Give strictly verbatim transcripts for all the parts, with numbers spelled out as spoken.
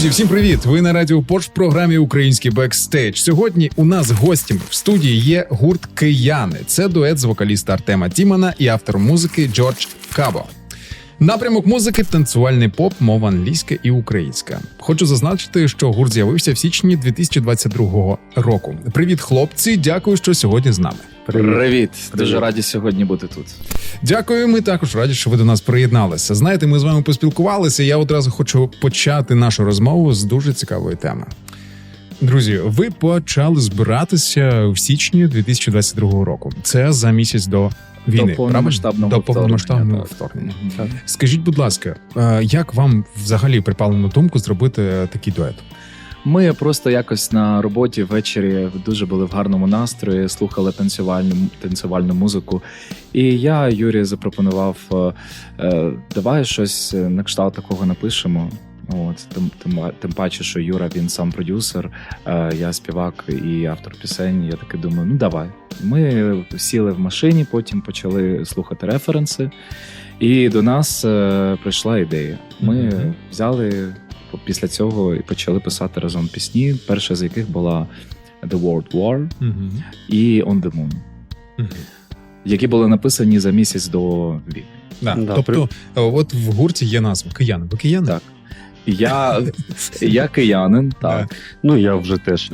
Друзі, всім привіт! Ви на Радіо Порш в програмі «Український бекстейдж». Сьогодні у нас гостями в студії є гурт «Кияни». Це дует з вокаліста Артема Тімана і автором музики Джордж Кабо. Напрямок музики – танцювальний поп, мова англійська і українська. Хочу зазначити, що гурт з'явився в січні дві тисячі двадцять другого року. Привіт, хлопці! Дякую, що сьогодні з нами. Привіт. Привіт. Дуже раді сьогодні бути тут. Дякую, ми також раді, що ви до нас приєдналися. Знаєте, ми з вами поспілкувалися, я одразу хочу почати нашу розмову з дуже цікавої теми. Друзі, ви почали збиратися в січні дві тисячі двадцять другого року. Це за місяць до війни, до повномасштабного до повномасштабного вторгнення. вторгнення. Mm-hmm. Скажіть, будь ласка, як вам взагалі припало на думку зробити такий дует? Ми просто якось на роботі ввечері дуже були в гарному настрої, слухали танцювальну, танцювальну музику. І я Юрі запропонував, давай щось на кшталт такого напишемо. От, тим, тим, тим паче, що Юра, він сам продюсер, я співак і автор пісень. Я таки думаю, ну давай. Ми сіли в машині, потім почали слухати референси, і до нас прийшла ідея. Ми mm-hmm. взяли після цього і почали писати разом пісні, перша з яких була The World War mm-hmm. і On the Moon, mm-hmm. які були написані за місяць до війни. Да. Да. Тобто, при... от в гурті є назва «Кияни». Ви кияни? Так. Я, я киянин, так. Ну, я вже теж.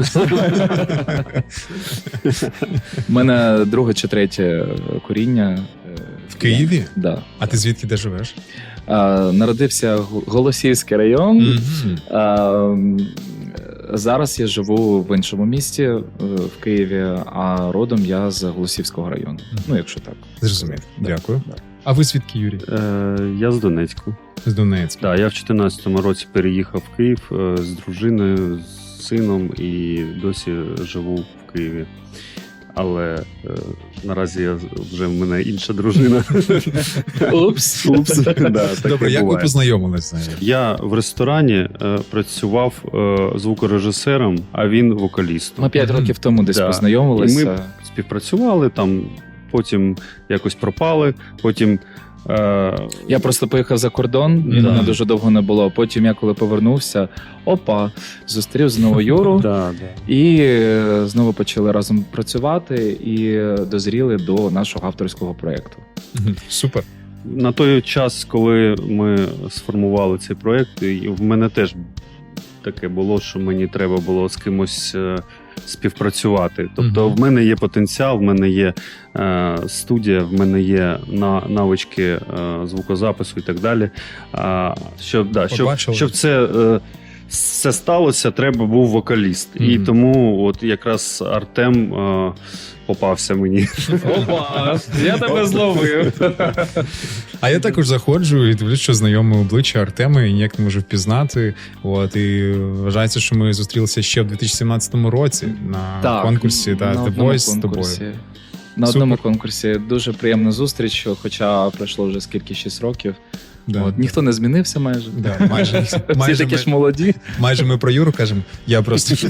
У мене друге чи третє коріння. В Києві? Так. Да. А ти звідки де живеш? А, народився Голосіївський район. Mm-hmm. А, зараз я живу в іншому місті, в Києві, а родом я з Голосіївського району. Mm-hmm. Ну, якщо так. Зрозумів. Дякую. Да. А ви звідки, Юрій? Е, я з Донецьку. З Донецька. Так, я в чотирнадцятому році переїхав в Київ з дружиною, з сином і досі живу в Києві. Але е, наразі я, вже в мене інша дружина. Упс. Упс. Да, добре, як ви познайомилися? Я в ресторані е, працював е, звукорежисером, а він вокалістом. Ми п'ять mm-hmm. років тому десь да. познайомилися. І ми співпрацювали, там, потім якось пропали, потім... Я просто поїхав за кордон, і да. мене дуже довго не було. Потім я, коли повернувся, опа, зустрів знову Юру, да, да. і знову почали разом працювати, і дозріли до нашого авторського проєкту. Супер. На той час, коли ми сформували цей проєкт, в мене теж таке було, що мені треба було з кимось співпрацювати. Тобто mm-hmm. в мене є потенціал, в мене є е, студія, в мене є на, навички е, звукозапису і так далі. А, щоб, да, щоб, щоб це е, все сталося, треба був вокаліст. Mm-hmm. І тому от якраз Артем е, попався мені. Опа, я тебе зловив. А я також заходжу і дивлюсь, що знайоме обличчя Артема і ніяк не можу впізнати. От, і вважається, що ми зустрілися ще в дві тисячі сімнадцятому році на так, конкурсі та The Voice з тобою. На Супер. одному конкурсі. Дуже приємна зустріч, хоча пройшло вже скільки, шість років. Да. От, ніхто не змінився майже. Да, майже Всі майже такі ми, ж молоді. Майже ми про Юру кажемо, я просто...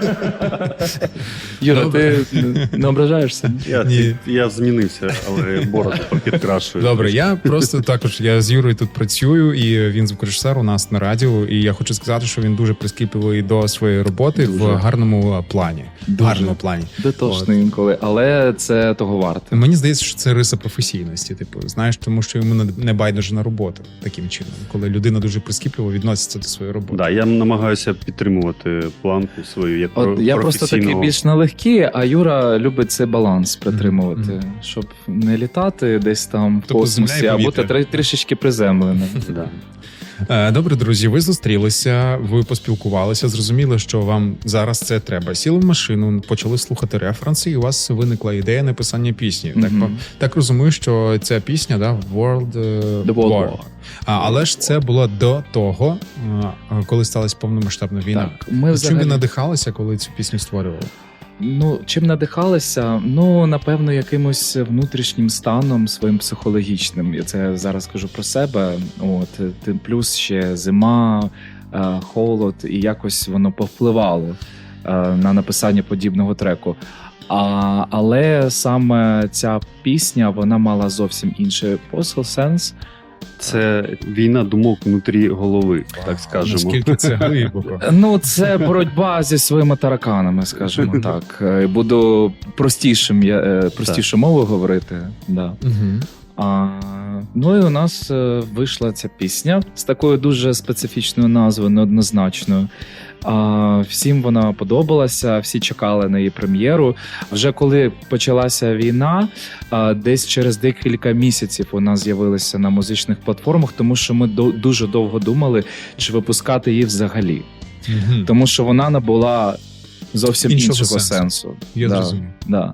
Юра, Добре. Ти не ображаєшся? Я, Ні. я змінився, але бороду підкрашую. Добре, я просто також, я з Юрою тут працюю, і він звукорежисер у нас на радіо, і я хочу сказати, що він дуже прискіпливий до своєї роботи дуже. в гарному плані. Дуже. гарному плані. Дотошний інколи, але це того варте. Мені здається, що це риса професійності, типу, знаєш, тому що йому не байдуже на роботу. Таким чином, коли людина дуже прискіпливо відноситься до своєї роботи. Да, я намагаюся підтримувати планку свою як От я просто такий більш налегкий, а Юра любить цей баланс притримувати, mm-hmm. щоб не літати десь там в тобто космосі, а бути трішечки приземленим. Да. Добре, друзі, ви зустрілися, ви поспілкувалися, зрозуміли, що вам зараз це треба. Сіли в машину, почали слухати референси, і у вас виникла ідея написання пісні. Mm-hmm. Так, так розумію, що ця пісня, да, World, The World War. War. А, але ж це було до того, коли сталася повномасштабна війна. Так, ми взагалі... Чим ви надихалися, коли цю пісню створювали? Ну, чим надихалися? Ну, напевно, якимось внутрішнім станом своїм психологічним. Я це зараз кажу про себе. От, тим плюс ще зима, холод, і якось воно повпливало на написання подібного треку. А, але саме ця пісня, вона мала зовсім інший посил, сенс. Це війна думок внутрі голови, так скажемо. Наскільки це глибоко. Ну, це боротьба зі своїми тараканами, скажімо так. Е, Буду простішим, я- е, простішу мовою говорити. Да. Угу. А, ну і у нас е, вийшла ця пісня з такою дуже специфічною назвою, неоднозначною. А, всім вона подобалася, всі чекали на її прем'єру. Вже коли почалася війна, а, десь через декілька місяців вона з'явилася на музичних платформах, тому що ми до- дуже довго думали, чи випускати її взагалі. Угу. Тому що вона набула зовсім Іншого іншого, сенсу. сенсу. Я Да. зрозумів. Да.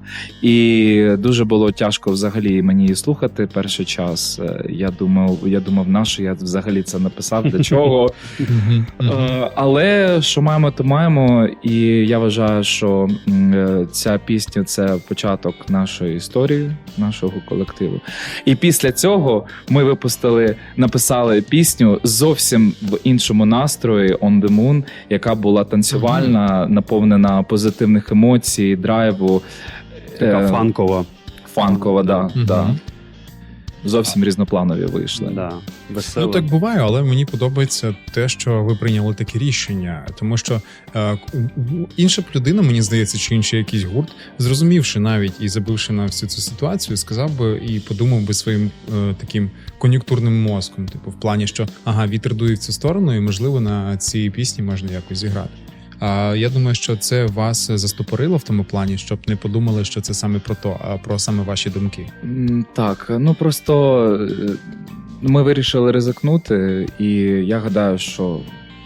І дуже було тяжко взагалі мені її слухати перший час. Е, Я думав, я думав, на що я взагалі це написав, для чого. Мгм. Мгм. Е, Але що маємо, то маємо. І я вважаю, що м, е, ця пісня це початок нашої історії, нашого колективу. І після цього ми випустили, написали пісню зовсім в іншому настрої «On the Moon», яка була танцювальна, наповнена позитивних емоцій, драйву. Така Е, фанкова. Фанкова, да, Мгм. да. Зовсім різнопланові вийшли. Да, весела. Ну так буває, але мені подобається те, що ви прийняли таке рішення, тому що е, інша б людина, мені здається, чи інший якийсь гурт, зрозумівши навіть і забивши на всю цю ситуацію, сказав би і подумав би своїм е, таким кон'юнктурним мозком, типу, в плані, що ага, вітер дує в цю сторону, і можливо на цій пісні можна якось зіграти. А я думаю, що це вас застопорило в тому плані, щоб не подумали, що це саме про то, а про саме ваші думки. М, Так, ну просто е, ми вирішили ризикнути, і я гадаю, що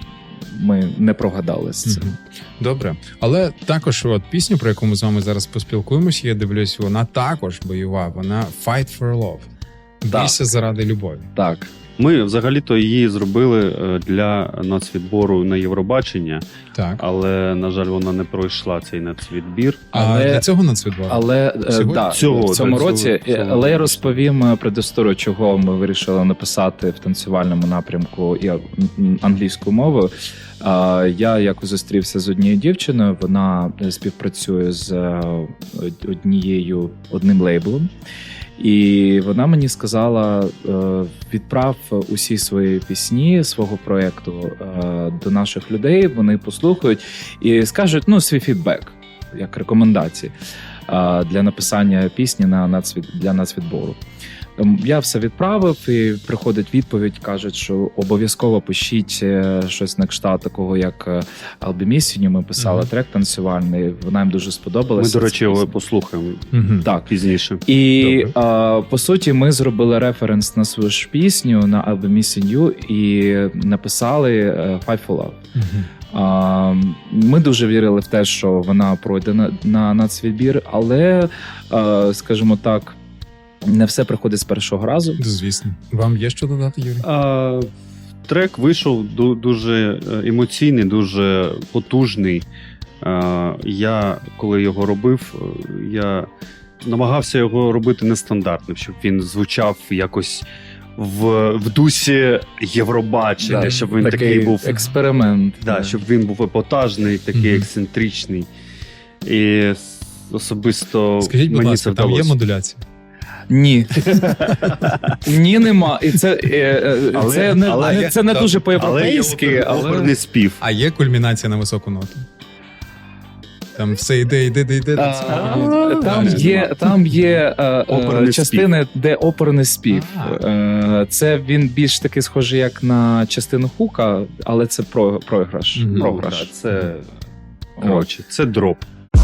ми не прогадали з цим. Мгм. Добре, але також от пісня, про яку ми з вами зараз поспілкуємося, я дивлюсь, вона також бойова. Вона Fight for Love. Так. Бійся заради любові. Так. Ми взагалі-то її зробили е, для нацвідбору на Євробачення, Так. але, на жаль, вона не пройшла цей нацвідбір. А Але- для цього нацвідбор? Але е, Сьогодні? да, Цього, в цьому да, році, цього- е, цього але я року. розповім е, предісторію, чого ми вирішили написати в танцювальному напрямку і м, англійською мовою. А, Я якось зустрівся з однією дівчиною, вона е, співпрацює з е, однією одним лейблом. І вона мені сказала: е, відправ усі свої пісні свого проєкту е, до наших людей, вони послухають і скажуть ну, свій фідбек, як рекомендації е, для написання пісні на нацвід, для нацвідбору. Ем, Я все відправив, і приходить відповідь, кажуть, що обов'язково пишіть е, щось на кшталт такого, як е, Албемісіню. Ми писали Мгм. трек танцювальний, вона їм дуже Ми, сподобалася. до речі, ця його пісня. послухаємо Мгм. Так. пізніше. І Добре. а, по суті, ми зробили референс на свою ж пісню на I'll Be Missing You і написали е, Fight for Love. Мгм. А, ми дуже вірили в те, що вона пройде на, на нацвідбір, але, а, скажімо так, не все приходить з першого разу. Звісно. Вам є що додати, Юрій? А, трек вийшов ду- дуже е, емоційний, дуже потужний. А, я, коли його робив, е, я намагався його робити нестандартним, щоб він звучав якось в, в дусі Євробачення, Да, щоб він такий, такий був. експеримент. Да, щоб він був епатажний, такий Мгм. ексцентричний. І с- особисто Скажіть, будь мені ласка, це там є вдалося. модуляція? Ні. Ні, нема. І це, е, е, Але- це не, але- не- це не дуже Але є по-європейськи, але... оперний спів. А є кульмінація на високу ноту? Там все йде, йде, йде, йде. до А, цього. Там Далі. є, там є е, е, Оперний частини, де оперний спів. А. Е, Це він більш таки схожий як на частину хука, але це про, програш. Мгм. Ну, програш. да, це, коротше, це дроп.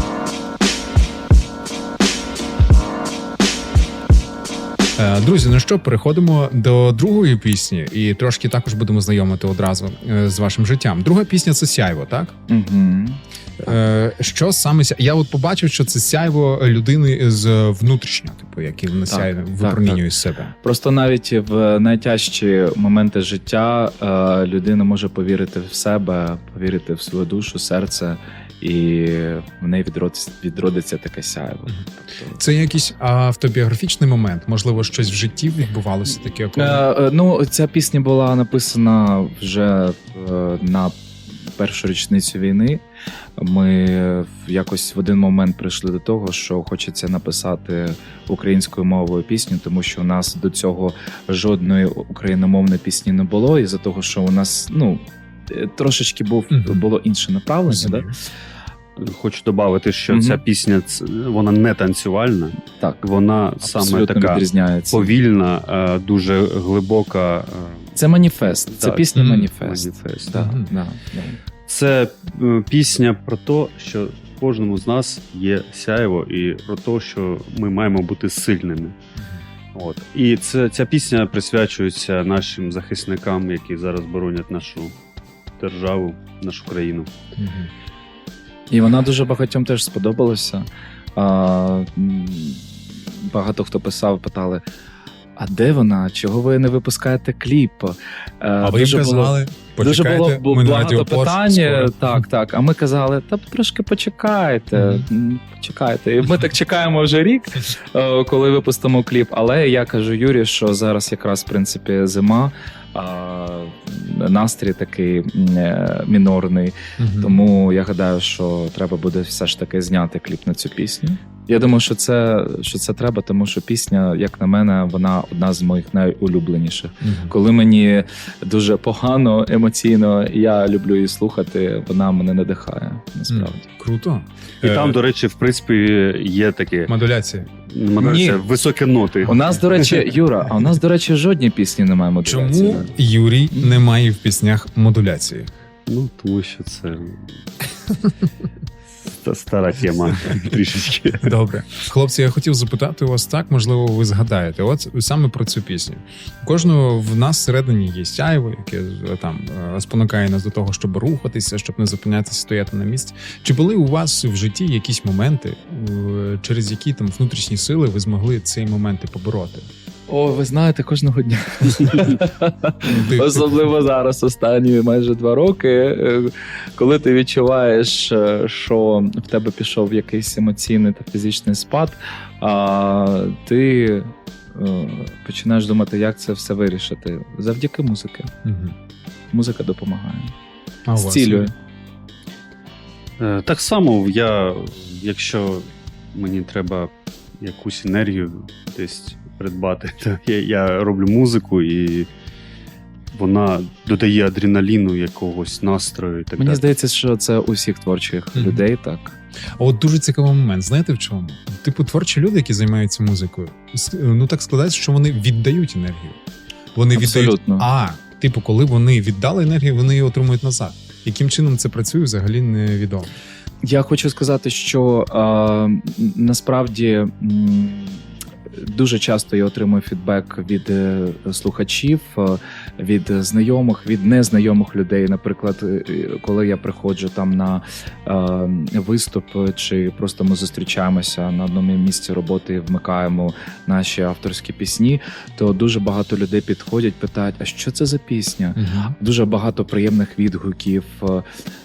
Е, Друзі, ну що, переходимо до другої пісні і трошки також будемо знайомити одразу е, з вашим життям. Друга пісня — це «Сяйво», так? Угу. Е, Що саме ся- я от побачив, що це сяйво людини з внутрішнього, типу, який вона Так, сяє, так, випромінює так. з себе. Просто навіть в найтяжчі моменти життя е, людина може повірити в себе, повірити в свою душу, серце, і в неї відродиться, відродиться таке сяйво. Мгм. Тобто, Це якийсь автобіографічний момент, можливо, щось в житті відбувалося таке. Коли... Е, е, ну, ця пісня була написана вже е, на першу річницю війни ми якось в один момент прийшли до того, що хочеться написати українською мовою пісню, тому що у нас до цього жодної україномовної пісні не було, із-за того, що у нас ну трошечки був Мгм. було інше направлення. Да? Хочу додати, що Мгм. ця пісня ц- вона не танцювальна, Так, вона саме абсолютно така відрізняється. повільна, е, дуже глибока. е, Це маніфест, це Так. пісня Мгм. маніфест. Маніфест. Да, Мгм. да, да. Це е, пісня про те, що в кожному з нас є сяйво, і про те, що ми маємо бути сильними. От. І це, ця пісня присвячується нашим захисникам, які зараз боронять нашу державу, нашу країну. Мгм. І вона дуже багатьом теж сподобалася. А, м, багато хто писав, питали: а де вона? Чого ви не випускаєте кліп? Е, А ви їм дуже було- казали, Дуже почекайте, було ми на багато Радіо Порш питань. скоро. Так, так. А ми казали, та трошки почекайте. Мгм. м, Почекайте. І ми так чекаємо вже рік, е, коли випустимо кліп. Але я кажу Юрі, що зараз якраз в принципі зима, а настрій такий м, е, мінорний. Мгм. Тому я гадаю, що треба буде все ж таки зняти кліп на цю пісню. Я думаю, що це, що це треба, тому що пісня, як на мене, вона одна з моїх найулюбленіших. Мгм. Коли мені дуже погано емоційно, я люблю її слухати, вона мене надихає, насправді. Круто. І Е, там, до речі, в принципі, є такі модуляція. намагаються Ні. високі ноти. У нас, до речі, Юра, а у нас, до речі, жодні пісні немає модуляції. Чому Юрій не має в піснях модуляції? Ну, тому що це ста- стара тема трішечки. Добре. Хлопці, я хотів запитати у вас так, можливо, ви згадаєте. От саме про цю пісню. У кожного в нас всередині є сяйво, яке е, там е, спонукає нас до того, щоб рухатися, щоб не зупинятися, стояти на місці. Чи були у вас в житті якісь моменти, е, через які там внутрішні сили ви змогли ці моменти побороти? О, ви знаєте, кожного дня. Ти- Особливо зараз, останні майже два роки, е, коли ти відчуваєш, е, що в тебе пішов якийсь емоційний та фізичний спад, а ти е, починаєш думати, як це все вирішити. Завдяки музики. Мгм. Музика допомагає. А у вас? Зцілює. Е, Так само я, якщо мені треба якусь енергію десь придбати, то я, я роблю музику і вона додає адреналіну, якогось настрою і так Мені далі. здається, що це у всіх творчих Мгм. людей так. А от дуже цікавий момент. Знаєте в чому? Типу, творчі люди, які займаються музикою, с- ну так складається, що вони віддають енергію. Вони віддають. Абсолютно. А, типу, коли вони віддали енергію, вони її отримують назад. Яким чином це працює, взагалі невідомо. Я хочу сказати, що а, насправді м, дуже часто я отримую фідбек від е, слухачів, е, від знайомих, від незнайомих людей. Наприклад, е, коли я приходжу там на е, виступ, чи просто ми зустрічаємося на одному місці роботи і вмикаємо наші авторські пісні, то дуже багато людей підходять, питають, а що це за пісня? Угу. Дуже багато приємних відгуків е, е,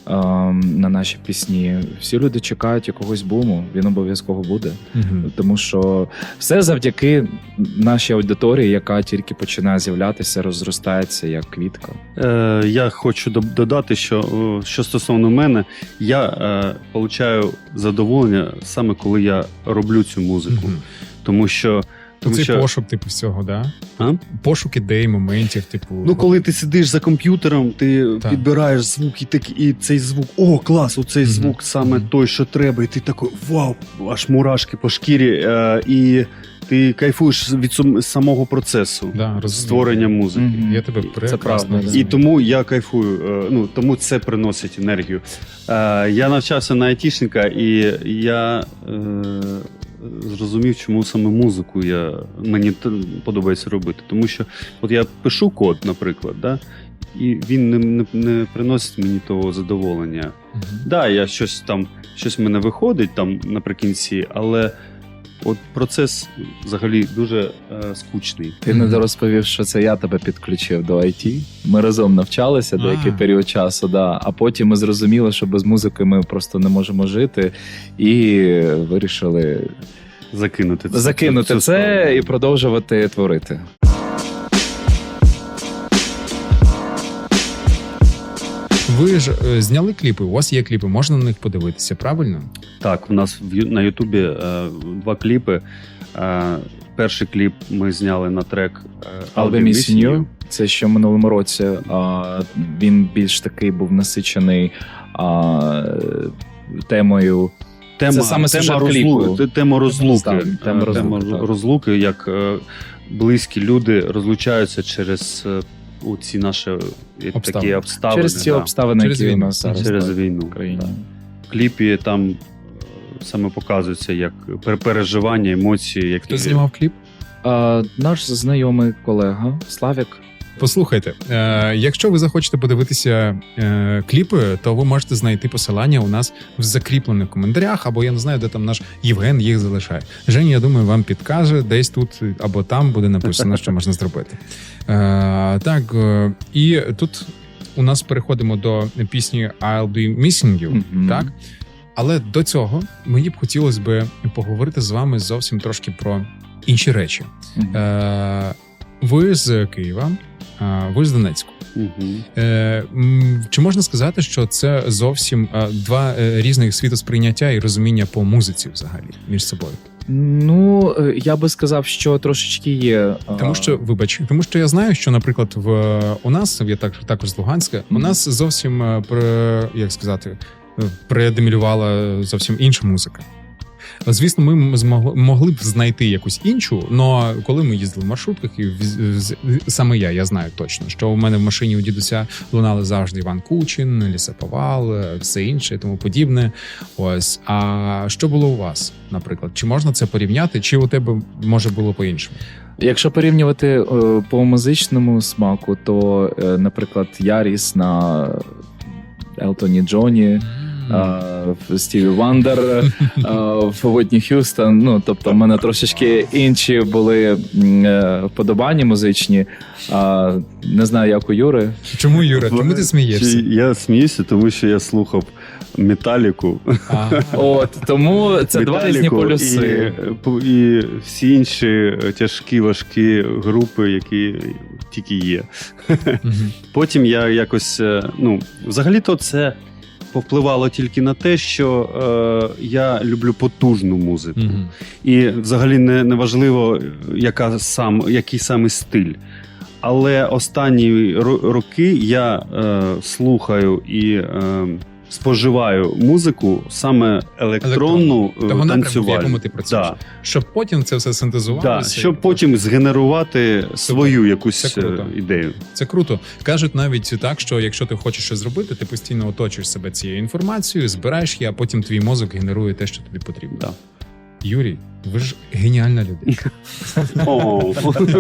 на наші пісні. Всі люди чекають якогось буму, він обов'язково буде. Угу. Тому що все завдяки нашій аудиторії, яка тільки починає з'являтися, розростається як квітка. Е, я хочу доб- додати, що, о, що стосовно мене, я е, получаю задоволення саме коли я роблю цю музику. Угу. Тому що, тому Це що пошук, типу, всього, да? А? Пошук ідей, моментів, типу. ну, коли ти сидиш за комп'ютером, ти Так. підбираєш звук, і, так, і цей звук, о, клас, оцей Мгм. звук саме Мгм. той, що треба, і ти такий, вау, аж мурашки по шкірі, е, і ти кайфуєш від сам- самого процесу Да, розумію. створення музики. Мгм. Я тебе Це прекрасно правда, да. І розумію. тому я кайфую. е, Ну тому це приносить енергію. Е, Я навчався на айтішника, і я е, зрозумів, чому саме музику я мені т- подобається робити. Тому що от я пишу код, наприклад, да, і він не, не, не приносить мені того задоволення. Мгм. Да, я щось там, щось в мене виходить там наприкінці, але от процес взагалі дуже е, скучний. Ти не розповів, що це я тебе підключив до ай ті. Ми разом навчалися деякий А. період часу, да. А потім ми зрозуміли, що без музики ми просто не можемо жити, і вирішили Закинути це. закинути цю це справу. і продовжувати творити. ви ж е, зняли кліпи, у вас є кліпи, можна на них подивитися, правильно? Так, в нас в Ю- на Ютубі е, два кліпи. Е, перший кліп ми зняли на трек е, I'll be missing you. Це ще в минулому році. А, він більш такий був насичений а, темою. Тема, Це саме тема, сюжет розлуки, кліпу. те- тема розлуки. Так, Е, тема розлуки, тема так. розлуки, як е, близькі люди розлучаються через е, у ці наші е, такі Обставини. обставини. Через ці да. обставини, Через які у війну. нас зараз Через так, війну. в Україні. так. В кліпі там е, саме показується як пер- переживання, емоції. Як Хто знімав кліп? А, наш знайомий колега Славік. Послухайте, е, якщо ви захочете подивитися е, кліпи, то ви можете знайти посилання у нас в закріплених коментарях, або я не знаю, де там наш Євген їх залишає. Женя, я думаю, вам підкаже, десь тут або там буде написано, що можна зробити. Е, так, е, і тут у нас переходимо до пісні I'll be missing you, Мгм. так? Але до цього мені б хотілося б поговорити з вами зовсім трошки про інші речі. Мгм. Е, ви з Києва, а ви з Донецьку. Мгм. Е, м, чи можна сказати, що це зовсім е, два е, різних світосприйняття і розуміння по музиці взагалі між собою? Ну, е, я би сказав, що трошечки є. а, Тому що, вибач, тому що я знаю, що, наприклад, в у нас, я так також з Луганська, у Мгм. нас зовсім е, пре- як сказати, е, предемілювала зовсім інша музика. Звісно, ми змогли могли б знайти якусь іншу, але коли ми їздили в маршрутках, і в- з- саме я, я знаю точно, що у мене в машині у дідуся лунали завжди Іван Кучин, Лісаповал, е, все інше і тому подібне. Ось. А що було у вас, наприклад? Чи можна це порівняти, чи у тебе може було по-іншому? Якщо порівнювати е, по музичному смаку, то, е, наприклад, я ріс на Елтоні Джоні, а, в Стіві Вандер, а, в Уітні Х'юстон. Ну, тобто, в мене трошечки інші були м, е, вподобання музичні. А, не знаю, як у Юри. Чому, Юра? Чому ти смієшся? Чи- Я сміюся, тому що я слухав Металіку. Ага. От тому це два різні Металіку полюси. І, і всі інші тяжкі, важкі групи, які тільки є. Мгм. Потім я якось, е, ну, взагалі-то це повпливало тільки на те, що е, я люблю потужну музику. Мгм. І взагалі не, не важливо, яка сам, який саме стиль. Але останні ро- роки я е, слухаю і е, споживаю музику саме електронну, Того напрямку, в танцювальну. якому ти працюєш. Да. Щоб потім це все Да, синтезувалося. щоб потім згенерувати свою якусь Це круто. е, ідею. Це круто. Кажуть навіть так, що якщо ти хочеш щось зробити, ти постійно оточуєш себе цією інформацією, збираєш її, а потім твій мозок генерує те, що тобі потрібно. Да. Юрій, ви ж геніальна людина. О.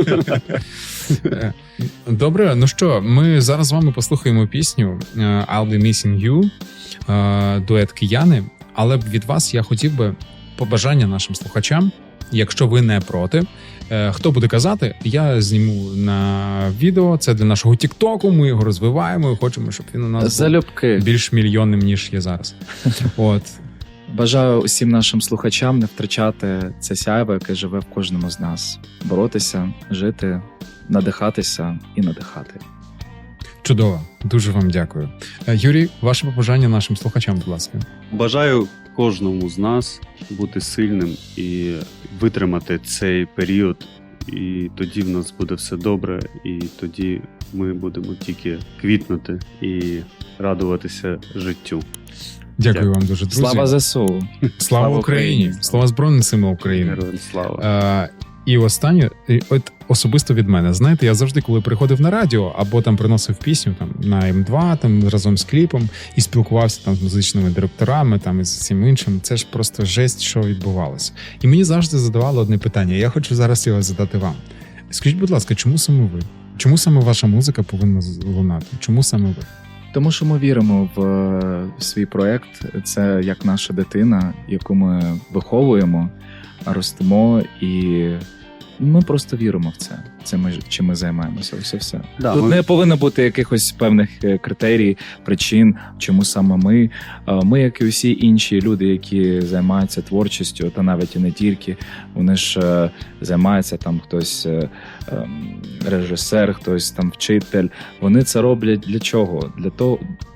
Е, Добре, ну що, ми зараз з вами послухаємо пісню е, I'll be missing you, е, дует кияни. Але від вас я хотів би побажання нашим слухачам, якщо ви не проти. Е, Хто буде казати, я зніму на відео. Це для нашого Тіктоку. Ми його розвиваємо і хочемо, щоб він у нас був Залюбки. більш мільйонним, ніж є зараз. От. Бажаю усім нашим слухачам не втрачати це сяйво, яке живе в кожному з нас. Боротися, жити, надихатися і надихати. Чудово. Дуже вам дякую. Е, Юрій, ваше побажання нашим слухачам, будь ласка. Бажаю кожному з нас бути сильним і витримати цей період. І тоді в нас буде все добре, і тоді ми будемо тільки квітнути і радуватися життю. Дякую Дякую. вам дуже, друзі. Слава ЗСУ! Слава Слава Україні! Україні! Слава Збройним силам України! Героям слава! Е, і останнє, і от особисто від мене. Знаєте, я завжди, коли приходив на радіо або там приносив пісню там на Ем два, там разом з кліпом і спілкувався там з музичними директорами, там і з всім іншим, це ж просто жесть, що відбувалося. І мені завжди задавали одне питання. Я хочу зараз його задати вам. Скажіть, будь ласка, чому саме ви? Чому саме ваша музика повинна лунати? Чому саме ви? Тому що ми віримо в е, свій проект. Це як наша дитина, яку ми виховуємо, ростимо, і ми просто віримо в це. Це ми чим ми займаємося. Ось і все. Да, Тут ми- не повинно бути якихось певних е, критерій, причин, чому саме ми. Е, Ми, як і усі інші люди, які займаються творчістю, та навіть і не тільки, вони ж е, займаються там хтось е, ем, режисер, хтось там вчитель. Вони це роблять для чого? Для того,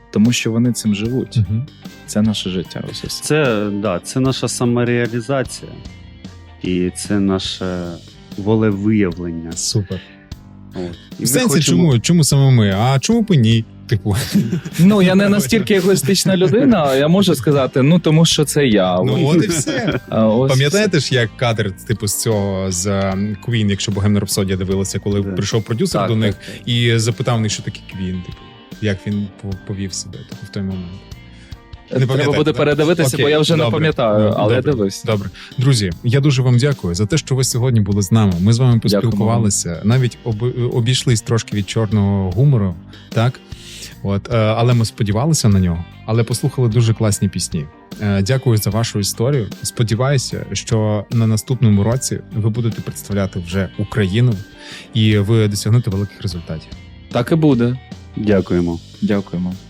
тому що вони цим живуть. Мгм. Це наше життя. Ось ось. Це, да, це наша самореалізація. І це наше волевиявлення. Супер. От. І В ми сенсі, хочемо- чому, чому саме ми? А чому б і ні? Типу, Ну, я не настільки егоїстична людина, я можу сказати, ну тому що це я. ну от і все. А ось Пам'ятаєте ж, як кадр, типу, з цього з ем, Queen, якщо Богемна Рапсодія дивилася, коли Да. прийшов продюсер Так, до них так, так. і запитав них, що таке Queen, типу, як він по- повів себе типу, в той момент. Не Треба пам'ятаєте, буде да? передивитися, Окей, бо я вже не добре. пам'ятаю, Ну, але я добре. дивився. Добре, друзі, я дуже вам дякую за те, що ви сьогодні були з нами. Ми з вами поспілкувалися, навіть об, обійшлись трошки від чорного гумору, так? От, е, але ми сподівалися на нього, але послухали дуже класні пісні. Е, Дякую за вашу історію. Сподіваюся, що на наступному році ви будете представляти вже Україну і ви досягнете великих результатів. Так і буде. Дякуємо. Дякуємо.